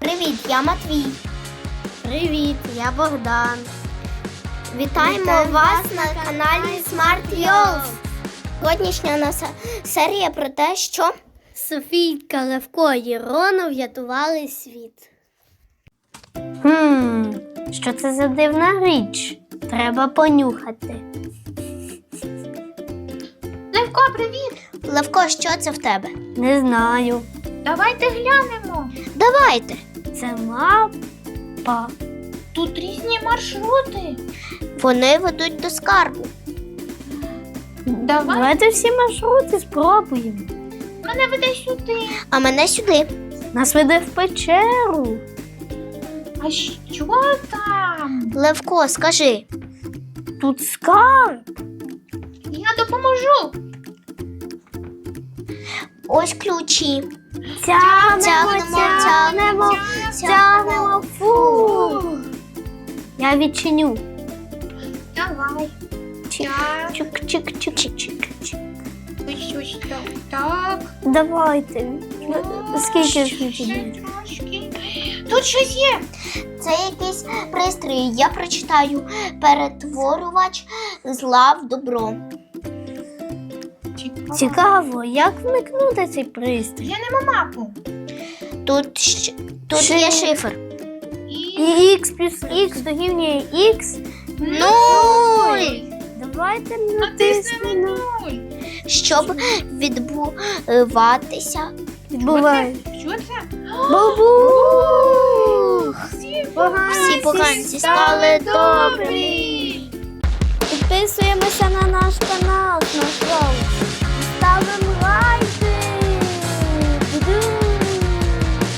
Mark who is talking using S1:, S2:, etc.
S1: Привіт, я Матвій.
S2: Привіт, я Богдан.
S1: Вітаємо вас на каналі Smart Yolls. Сьогоднішня наша серія про те, що
S2: Софійка, Левко і Рона врятували світ. Що це за дивна річ? Треба понюхати.
S3: Левко, привіт!
S1: Левко, що це в тебе?
S2: Не знаю.
S3: Давайте глянемо.
S1: Давайте.
S2: Це мапа.
S3: Тут різні маршрути.
S1: Вони ведуть до скарбу.
S3: Давай.
S2: Всі маршрути спробуємо.
S3: Мене веде сюди.
S1: А мене сюди.
S2: Нас веде в печеру.
S3: А що там?
S1: Левко, скажи.
S2: Тут скарб.
S3: Я допоможу.
S1: Ось ключі.
S2: Тягнемо. Фу. Я відчиню.
S3: Давай. Так.
S2: Чик-чик-чик-чик-чик.
S3: Ось так.
S2: Давайте. Скільки ж ми
S3: Ще
S2: підемо?
S3: трошки. Тут щось є.
S1: Це якийсь пристрій. Я прочитаю. Перетворювач зла в добро.
S2: Цікаво, як вмикнути цей пристрій?
S3: Глянемо мапу.
S1: Тут є шифр.
S3: І
S2: Х плюс х дорівнює х.
S1: Нуль!
S2: Давайте
S3: натиснемо
S2: натиснемо.
S3: 0.
S1: Щоб відбуватися.
S2: Відбувай.
S3: Що це?
S2: Бабух!
S1: Всі поганці стали добрі.
S2: Підписуємося на наш канал, ставимо